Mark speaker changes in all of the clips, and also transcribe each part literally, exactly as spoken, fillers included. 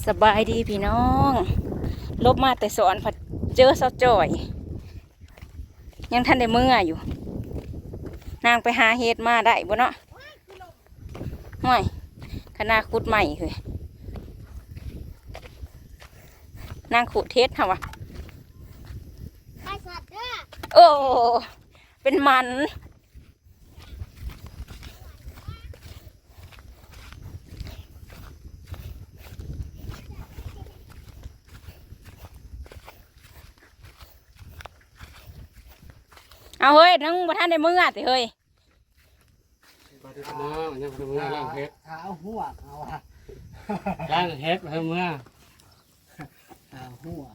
Speaker 1: สบายดีพี่น้องลบมาแต่สอนผัดเจอเสาจ่อยยังท่านได้เมื่ออยู่นางไปหาเฮ็ดมาได้บ่เนาะห่วยขนาดขุดใหม่เลยนางขุดเฮ็ดเหรอวะโอ้เป็นมันเอาเฮ้ยนังบ่ท่านได้มือสิเฮ้ย
Speaker 2: บาดน้องยังเป็นเมื่อล่างเฮ็ด
Speaker 3: เอาหัวเอาอะ
Speaker 2: ล่างเฮ็ดเพิ่มเมื่อ
Speaker 3: เอาหัว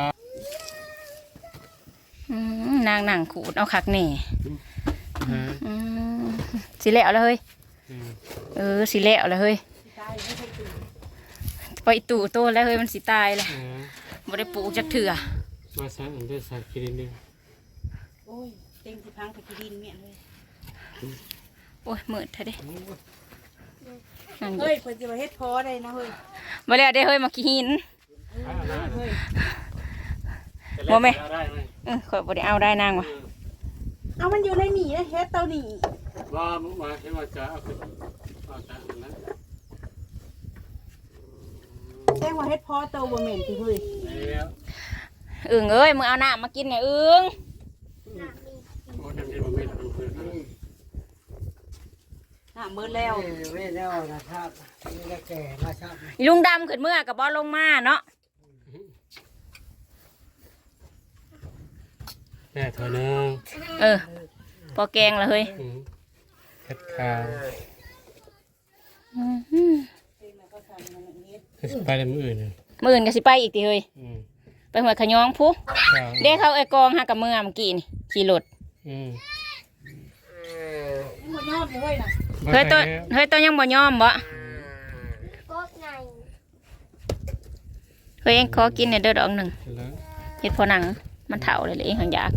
Speaker 1: นางนั่งขูดเอาคักแน่สิแล้วแล้วเฮ้ยเออสิแล้วแล้วเฮ้ยไปตู่โตแล้วเฮ้ยมันสิตายเลยบ่ได้ปลูกจักเถื่อ
Speaker 2: มาใส่อันเดอร์ใส่กินดิ
Speaker 1: โอ้ยเต็งสิพังไปกินเมียเลยโอ้ยมืดแท้เด้
Speaker 4: เฮ้ยคนจะมาเฮ็ดพอได้นะเฮ้ย
Speaker 1: มาแล้วได้เฮ้ยมากินโมไหมเออขอบ่ได้เอาได้นางวะ
Speaker 4: เอามันอยู่ในหนีนะเฮ็ดเตาหนี
Speaker 2: ว่ามาเฮ็ดว่าจะเอาขึ้นเอาจะนั่น
Speaker 4: แจ้งว่าเฮ็ดพอเตาบ่เหม็นสิเฮ้ย
Speaker 1: อึ่งเอ้ยมึงเอาน้ำมากินเนี่ยอึ่ง
Speaker 4: น้ำมืดแล้ว
Speaker 3: ไม่แล้วนะครับนี่ก็แก่นะครับ
Speaker 1: ลุงดำขึ้นเมื่อกับบอลลงมาเนาะ
Speaker 2: แม่เธอเนื้อ
Speaker 1: เออพอแกงละเฮ้ย
Speaker 2: เฮ็ดข้าวไปในมืออื่น
Speaker 1: มืออื่นก็สิไปอีกทีเฮ้ยไปหัวขยองผู้เด็กเขาไอ้กองหากับเมื่อเมื่อกี้นี่ขี่รถเฮ้ยตัวเฮ้ยตัวยังบ่ยอมบ่เฮ้ยเองขอกินเนี่ยเด้อดอกหนึ่งเห็ดพอหนังมันเถาเลยเลยเองหังอยาก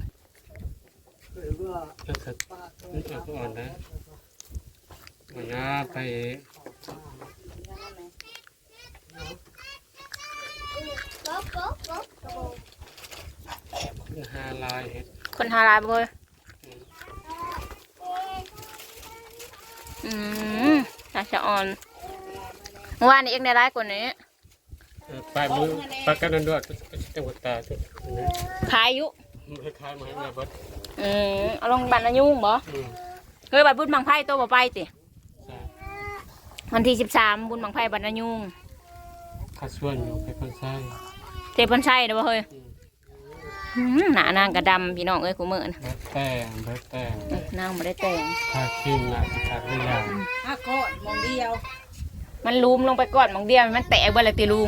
Speaker 2: ก็สัตว์นี่ตัวอ่อนนะมันน่าไปคนหาลายเห็ด
Speaker 1: คนหาลายบ่อืมน่าจะอ่อนเมื่อวานนี้เองได้ร้ายกว่านี้
Speaker 2: ปลายมือปลายกันนั่นด้วยจังหวัดตาจุด
Speaker 1: ขายยุ
Speaker 2: ขายมาให้แม่บัด
Speaker 1: อืมเอาลงบัตรอายุบ่เฮ้ยบัตรบุญบังไพ่ตัวบ่ไปติวันที่สิบสามบุญบังไพ่บัตรอายุ
Speaker 2: ข้าส่วนอยู่ไปพันไส้
Speaker 1: เทพันไส้เด้อเฮ้ยหน้านางกระดำพี่น้องเอ้ยกูเมื่อนะ
Speaker 2: แต่งเบิดแต่ง
Speaker 1: นางไม่ได้แต่ง
Speaker 2: ทาครีมนะทาครีมอย่าง
Speaker 4: ถ้าก้อนมองเดียว
Speaker 1: มันลุมลงไปก่อนมองเดียวมันแตกไปเลยตีลุง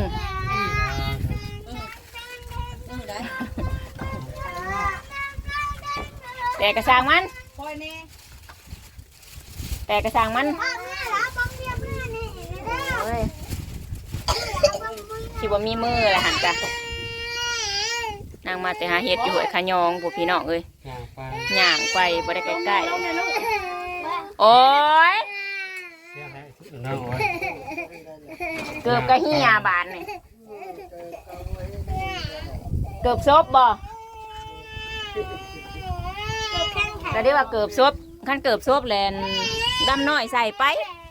Speaker 1: แต่กระซังมันแต่กระซังมันที่ว่ามีมืออะไรหันจ้ะนางมาแต่หาเห็ดอยู่หวยขยองพวกพี่น้องเอ้ยย่างไปบ่ได้ใกล้ๆโอ้ยเกือบกระหิ้ยาบานนี่เกือบซบบ่แต่ได้ว่าเกือบซบขั้นเกือบซบแลนดำน้อยใส่ไป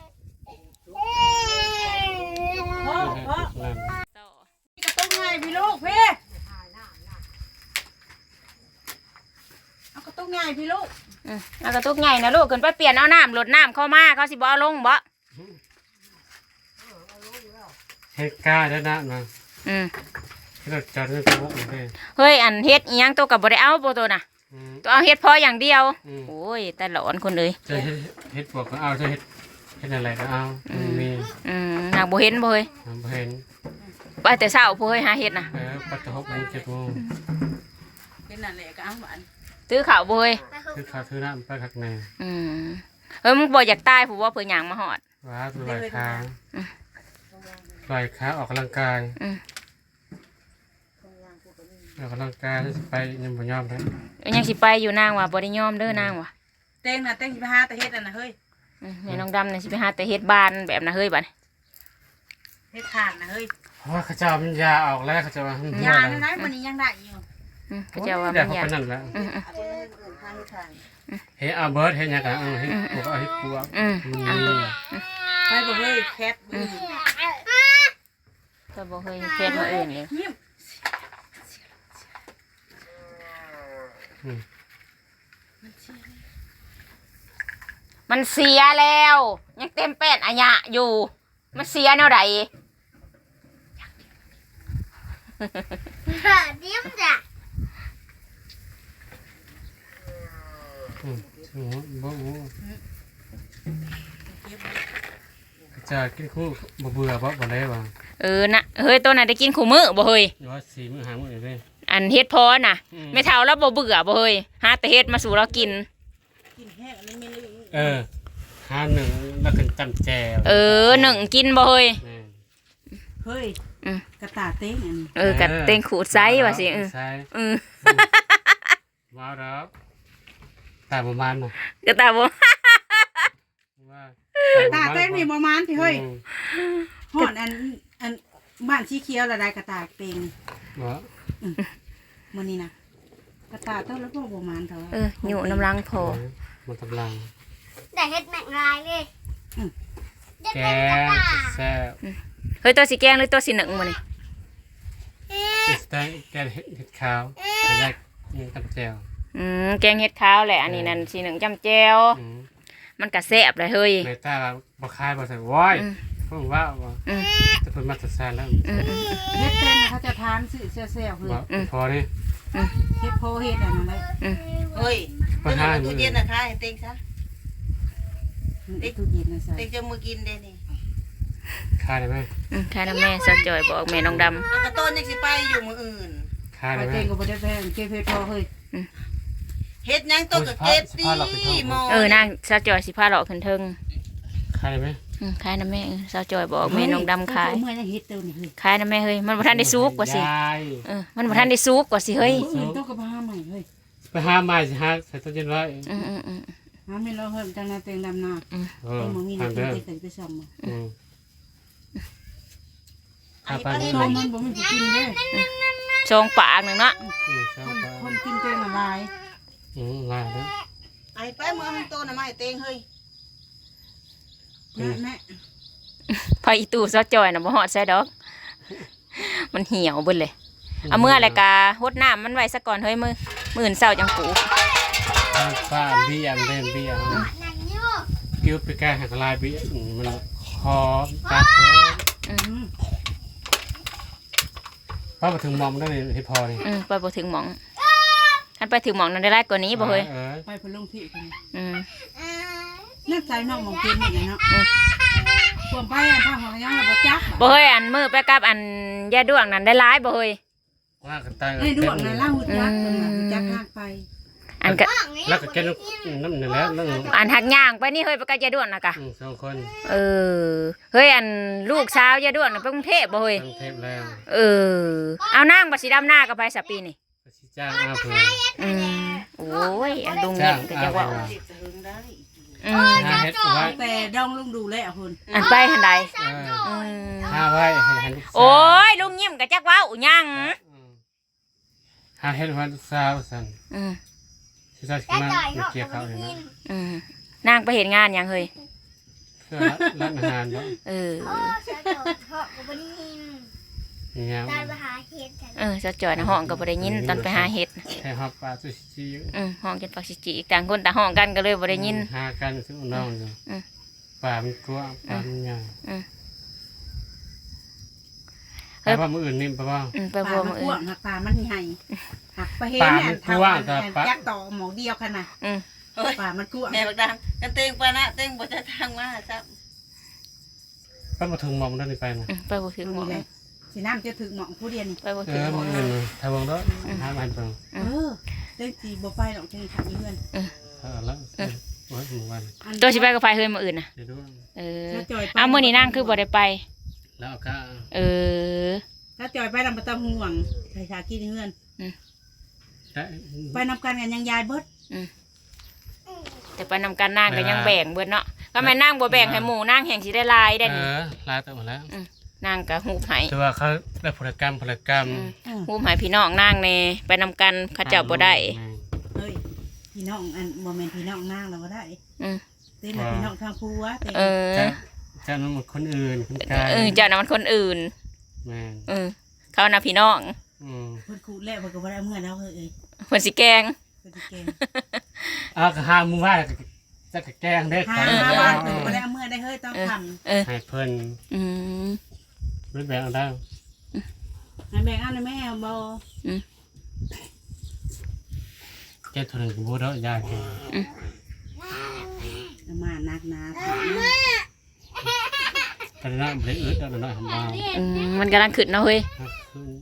Speaker 4: กระตุ้งไงพี่ลูกพี่เอากระตุ้งไงพี่ลูก
Speaker 1: เอากระตุ้งไงนะลูกขึ้นไปเปลี่ยนเอาน้ำหลดน้ำเข้ามาเขาสิบ่เอาลงบ่
Speaker 2: เฮ็ดก้าได้นะนะ
Speaker 1: อืม
Speaker 2: เฮ็ดจัดให้ตัวเลย
Speaker 1: เฮ้ยอันเฮ็ดอีหยังตัวกับบ่ได้เอาโปตัวน่ะตัวเอาเฮ็ดพออย่างเดียวโอ้ยแต่หลอนคนเลย
Speaker 2: จะเฮ็ดพวกก็เอาจะเฮ็ดเฮ็ดอะไรก็เอามี
Speaker 1: อืมนางบ่เห็นบ่เฮ้ย
Speaker 2: บ่เห็น
Speaker 1: ไปแต่เช้าบ่เฮ้ยหาเฮ็ดน่ะ
Speaker 2: เออปัดตะหกโมงเจ็ดโมง
Speaker 4: เป็นนั่นแหละก็เอาหวาน
Speaker 1: ตื้อข้าวบ่เฮ้ย
Speaker 2: ตื้อข้าวตื้อน้ำไปคักแน่
Speaker 1: อืมเฮ้ยมึงบ่อยากตายผู้ว่าเพิ่นหยังมาฮอด
Speaker 2: ว่าลอยขาลอยขาออกกำลังกายออกกำลังกายไปยังบ่ยอมเลย
Speaker 1: ยังสิไปอยู่นางว่ะบ่ได้ยอมเด้อนางว่ะ
Speaker 4: เต้งน่ะเต้งสิไปหาแต่เฮ็ดอันน่ะเฮ้ย
Speaker 1: แม่น้องดำนี่สิไปหาแต่เฮ็ดบ้านแบบน่ะเฮ้ยบัด
Speaker 4: เเฮ็ดทานนะเฮ้ย
Speaker 2: เพราะว่าเขาจะเอามันยาออกแล้วเขาจะว่ามัน
Speaker 4: ยาในนั้นวันนี้ยังได้อยู่
Speaker 1: อืมก็จะว่า
Speaker 2: เดี๋
Speaker 1: มั
Speaker 2: ยวน เขา
Speaker 1: ยา
Speaker 2: ไปนั่นแล้ว
Speaker 1: อืมอืม
Speaker 4: เอาคนอื่นทานเฮ็ดทาน
Speaker 2: เฮ้ยเอาเบิร์ดเฮ้ยยังไงเออเฮ้ยปวกเอาเฮ้ยปวก
Speaker 1: อืม
Speaker 2: มัน
Speaker 1: เอา
Speaker 2: มี
Speaker 4: ไปบ่เฮ้ยแคทอืม
Speaker 1: ก็บ่เคยเฮ็ดมาอื่นเลย
Speaker 4: เงียบ
Speaker 2: อืม
Speaker 1: มันเสียแล้วยังเต็มเป็ดอะยะอยู่มันเสียแนวใด
Speaker 5: điểm ra
Speaker 2: อืมอืมบ่บ่เขาจะกินคู่บ่เบื่อบ่บ่ได้บ่
Speaker 1: เออนะเฮ้ยตัวน่ะได้กินขู่มื้อบ่เฮ้ย
Speaker 2: หรือว่าสี่มื้อห้ามื้อเลย
Speaker 1: อันเฮ็ดพอน่ะ
Speaker 2: อืม
Speaker 1: ไม่เท่าแล้วบ่เบื่อบ่เฮ้ยหาแต่เฮ็ดมาสู่เรากิน
Speaker 4: กินแห้งอันนี้ไม่ลืม
Speaker 2: เออห้าหนึ่งแล้วขึ้นจำแจว
Speaker 1: เออหนึ่งกินบ่เฮ้ย
Speaker 2: แม่
Speaker 4: เฮ้ย
Speaker 1: อืม
Speaker 4: กระตาเต้งอันนี้
Speaker 1: เออกัดเต็งขูดไซส์ว่าสิเออ
Speaker 2: ใช่
Speaker 1: เออ
Speaker 2: ว้าวแล้วแต่ประมาณน่ะ
Speaker 1: ก็ตาบ่
Speaker 2: ว่า
Speaker 4: ตาเต้งนี่ประมาณที่เฮ้ย
Speaker 2: อืม
Speaker 4: หอดอันอันบ้านสีเขียวละได้กระตาเต็ง
Speaker 2: บ่
Speaker 4: มื้อนี้นะกระตาเท่าแล้วก็ประมาณเท่า
Speaker 1: เอออยู่น้ำลังพอ
Speaker 2: มันกำลัง
Speaker 5: để hết mẹ ngài đi Hết
Speaker 2: แก
Speaker 5: mẹ
Speaker 2: ง
Speaker 5: ngài
Speaker 2: แซ่บ
Speaker 1: เฮ้ยตัวสิแกงหรือตัวสิหนึ่งมื้อนี่
Speaker 2: แกงแกงเห็ดขาวไม่ได้จำแจว
Speaker 1: อืมแกงเฮ็ดขาวแหละอันนี้นั่นสิหนึ่งจำแจ่ว
Speaker 2: อืม
Speaker 1: มันก็แซ่บเลยเฮ้ย
Speaker 2: ในตาบ่คายบ่ใส่ว้อย
Speaker 1: อืม
Speaker 2: เพิ่งว่าว่า
Speaker 1: อืม
Speaker 2: จะเพิ่นมาตัดสานแล้ว
Speaker 1: อืมอืม
Speaker 4: เฮ็ดเต้นเขาจะทานซื้อเซี่ยวๆเฮ้ย
Speaker 2: บ่พอนี่
Speaker 4: เฮ็ดโพเฮ็ดอันนั้นเลย
Speaker 6: เฮ้ย
Speaker 2: ปัญหา
Speaker 6: ตู้เย็นนะคะให้เต็งซะ
Speaker 4: เด็กตู้เย็นนะใส่
Speaker 6: เต็งจะมือกินเด้นี่
Speaker 2: คายได้ไหม
Speaker 1: อืมค่ะน้ำแม่สาวจอยบอกแม่น้องดำ
Speaker 6: เอากระต้นยังสิไปอยู่มืออื่น
Speaker 2: คาย
Speaker 4: ไป
Speaker 2: ได้ไหม
Speaker 4: เต้งก็บ่ได้แพงเก็บเฮ็ดโพเฮ้ย
Speaker 6: เฮ็ดหยังต้นกับเก็บดีหมอ
Speaker 1: เออนางสาวจอยสิพาเลาะขึ้นเทิง
Speaker 2: คายได้ไหม
Speaker 1: อืมขายน้ำแม่เออสาวจอยบอกแม่น้องดำขาย
Speaker 4: เมื่อยังเฮ็ดเต้านี่เฮ้ย
Speaker 1: ขายน้ำแม่เฮ้ยมันบ่ทันได้ซุกกว่าสิ
Speaker 2: ยาย
Speaker 1: เออมันบ่ทันได้ซุกกว่าสิเฮ้ย
Speaker 4: เฮ้ยต้องกับหาใหม่เฮ้ย
Speaker 2: ไปหาไม้สิหาใส่ตู้เย็นไว้
Speaker 1: อืมอืมอืม
Speaker 4: หาไม่รอเฮ้ยจังนาเต็งดำนา
Speaker 2: เออ
Speaker 4: เต็งบ่มี
Speaker 2: ทา
Speaker 4: น้ำ
Speaker 2: เด้อ
Speaker 4: เต็งเต็งไปซ้ำมา
Speaker 2: อืม
Speaker 6: ไอ้
Speaker 2: เอาไป
Speaker 6: ปลา
Speaker 2: นี่
Speaker 4: โซมมันบ่มีผู้กินเด้
Speaker 1: ชงปากหนึงเนาะ
Speaker 2: อืมเช้า
Speaker 4: คน
Speaker 2: ไป
Speaker 4: คนกินเต็งละลาย
Speaker 2: อืมลายแล้ว
Speaker 6: ไอ้ไปมือหันโตน่ะมาให้เต็งเฮ้ย
Speaker 4: แม่แม่
Speaker 1: พออีตู่สาวจอยน่ะบ่ฮอดใส่ดอก มันเหี่ยวเบิดเลยเอามื่อไรกะฮดน้ำมันไว้ซะก่อนเฮ้ยมือมื้ออื่นเช้าจังปลูก
Speaker 2: ป้าเบี้ยมเล่นเบี้ยม
Speaker 5: Nặng như
Speaker 2: กิ้วไปแก้หักลายเบี้ยอืมมันคอตัดเพิ่ม
Speaker 1: อืม
Speaker 2: ป้ามาถึงมอมได้เลยให้พอนี่
Speaker 1: อืมไปบ่ถึงหม่องคันไปถึงหม่องนั้นได้หลายกว่านี้บ่เฮ้ย
Speaker 2: ออ
Speaker 4: ไปพะลงที่กัน
Speaker 1: อืม
Speaker 4: น่าใจน้องมองกินนี่เนาะควมไปอันทางของยังบ่จัก
Speaker 1: บ่เฮ้ยอันมือไปกับอันยาด้วงนั้นได้หลายบ่เฮ้ย
Speaker 2: ว่ากันตาย
Speaker 4: ไอ้ดวงน่ะเล่าจักเพิ่นน่ะจักทางไป
Speaker 1: อันก็
Speaker 2: แล้วก็แกนน้ำหนึ่งแล้วนั่ง
Speaker 1: อันหักย่างไปนี่เฮ้ยไปกับยาด้วงน่ะกะ
Speaker 2: อืมสองคน
Speaker 1: เออเฮ้ยอันลูกสาวยาด้วงน่ะไปกรุงเทพบ่เฮ้ย
Speaker 2: ทั้งเทปแล้ว
Speaker 1: เออเอานางบ่สิดำหน้ากับไปสัปปีนี่
Speaker 2: ก็สิจ้างอาเพื่อ
Speaker 1: อืมโอ้ยอันลุงเงินก็จะว่า
Speaker 6: เด็กจะหึงได้
Speaker 1: อืม
Speaker 2: หาเฮ็ดเอาไว้
Speaker 4: แต่ดองลุงดูแลคน
Speaker 1: อันไปหันใด
Speaker 2: เออ
Speaker 1: อืม
Speaker 2: หาไว้ให้หันลูกสาว
Speaker 1: โอ้ยลุงยิ้มก็จักเว้าหยัง
Speaker 2: อืมหาเฮ็ดวันลูกสาวสั่น
Speaker 1: อืม
Speaker 2: สิจ้าสิมา
Speaker 5: Cái trời
Speaker 2: มา
Speaker 5: họ
Speaker 2: เกี่ยวเขา
Speaker 5: có
Speaker 2: เลยนะ
Speaker 5: nhìn
Speaker 1: อืมนางไปเห็นงานหยังเฮ้ย
Speaker 2: เพื่อร้านอาหารเนาะ
Speaker 1: เออ
Speaker 5: Ờ, sao trời họ có nhìn
Speaker 2: นี่ยัง
Speaker 5: Tại bà hả hiệt thật
Speaker 1: เออสะจอยนะห้องก็บ่ได้ยินตอนไปหาเห็ดน่ะ
Speaker 2: แค่ฮอบปลาสุชิอยู่
Speaker 1: อืมห้องกินปักสิจิอีกต่างคนต่างห้องกันก็เลยบ่ได้ยิน
Speaker 2: หากันซึ่งน้องอยู่
Speaker 1: อืม
Speaker 2: ป่ามันกลัวป่ามันใหญ่
Speaker 1: อืม
Speaker 2: แต่ว่ามืออื่นนี่แปลว่า
Speaker 1: อืมไป
Speaker 4: ป
Speaker 1: บ่
Speaker 4: ลามั
Speaker 1: มื้
Speaker 4: น
Speaker 1: อก อื่
Speaker 4: ว้าง
Speaker 1: น
Speaker 4: หักปลามันใหญ่หักไปเห็น
Speaker 2: ปลา
Speaker 4: เนี่ย
Speaker 2: มันกว้างแต่ปลา
Speaker 4: จักต่อหมอเดียวขนาด
Speaker 1: อืม
Speaker 6: เฮ้ย
Speaker 4: ปลามันกว้าง
Speaker 6: แม่บักดังกันเต็งปานะเต็งบ่จะทางมาซับ
Speaker 2: ป้ามาถึงมองได้ไปนะ
Speaker 1: อืมไปบ่ถึงหม
Speaker 4: นี่
Speaker 1: อง
Speaker 4: แหละสิน้ำจะถึงหมองผู้เดียวนี่
Speaker 1: ไปบ่
Speaker 2: เอ
Speaker 1: ถึง
Speaker 2: อ
Speaker 1: หม
Speaker 2: มื
Speaker 1: อ
Speaker 2: อง อื่นทาวงแล้วหามันเปล่า
Speaker 4: เออเล่นสีบ่ไปหรอกเจ้าขันนี้เพื่อน
Speaker 2: เออแล้วโอ้ยหมู่วัน
Speaker 1: ตัวสิไปก็ไปเฮ้ยมื้ออื่นน่ะ
Speaker 2: เดี๋ยวดู
Speaker 1: เออ
Speaker 4: ถ้าจอยไป
Speaker 1: เอามื้อนี้นางคือบ่ได้ไป
Speaker 2: แล้วเอาก็
Speaker 1: เออ
Speaker 4: ถ้าจอยไปนำประตห่วงใส่ชากินเพื่อน
Speaker 2: ได้
Speaker 4: ไปนำกันกันยังยายเบิด
Speaker 1: แต่ไปนำกันนางก็ยังแบ่งเบิดเนาะก็แม่นางบ่แบ่งให้หมู่นางแห่งสิได้หลายได้
Speaker 2: เอ
Speaker 1: นี่
Speaker 2: อลาตัวหมดแล้ว
Speaker 1: นนางก็ฮูบให้
Speaker 2: แต่ว่าเขาได้พลกรรมพลกรรม
Speaker 1: ฮูบให้พี่น้องนางแน่ไปนำกันเขาเจ้าบ่ได้
Speaker 4: เฮ้ยพี่น้องอันบ่แม่นพี่น้องนางเราบ่ได้
Speaker 1: อืม
Speaker 4: เต้นแล้วพี่น้องทางผัวเต้น
Speaker 1: เออ
Speaker 2: จะจะนั่นมันคนอื่นคนไกล
Speaker 1: เออเจ้าน่ะมันคนอื่น
Speaker 2: แม่น
Speaker 1: เออเขาน่ะพี่น้อง
Speaker 2: อืม
Speaker 4: เพิ่นคูดแล้วเพิ่นก็บ่ได้เอาเงินเอาเฮ้ยเอ้ย
Speaker 1: เพิ่นสิแกง
Speaker 4: เพิ่นสิเก่ง
Speaker 2: อ่ะก็ห้ามมึงว่าจะกะแกล้งได้
Speaker 4: หา
Speaker 2: ขอ
Speaker 4: มา
Speaker 2: แล้ว
Speaker 4: บ้านเพิ่นบ่ได้เอาเงินได้เฮ้ยต้องทำ
Speaker 1: เออ
Speaker 2: ให้เพิ่น
Speaker 1: อืม
Speaker 2: รู้แบบเอาได้
Speaker 4: ให้แบ่งเอาในแม่บ่
Speaker 2: แกทุนกูบ่ได้ยากแก
Speaker 4: เอามานักหนา
Speaker 2: กันนะบ่ได้อึดเอาหน่อยทำบ้า
Speaker 1: อืมมันกำลังขึ้นเนาะเฮ้ย
Speaker 2: ฮักขึ้น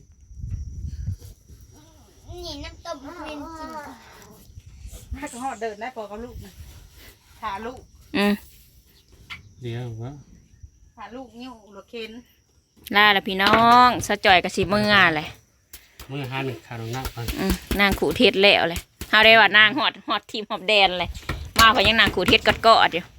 Speaker 5: นี่น้ำต้มเป็นจริง
Speaker 4: ถ้าก็ฮอดเดินได้พอกับลูกนะถ่าลูก
Speaker 1: อืม
Speaker 2: เดี๋ยวว่า
Speaker 4: ถ่าลูกนิ้วรถเข็น
Speaker 1: ลาละพี่น้องสะจ่อยกับสิมืองานเลย
Speaker 2: มือหาหนึ่งขาลงหน้าก่อน
Speaker 1: อืมนางขู่เทศแล้วเลยเฮาได้ว่านางหอดหอดทีมหอบแดนเลยมาเพราะยังนางขู่เทศกอดๆอยู่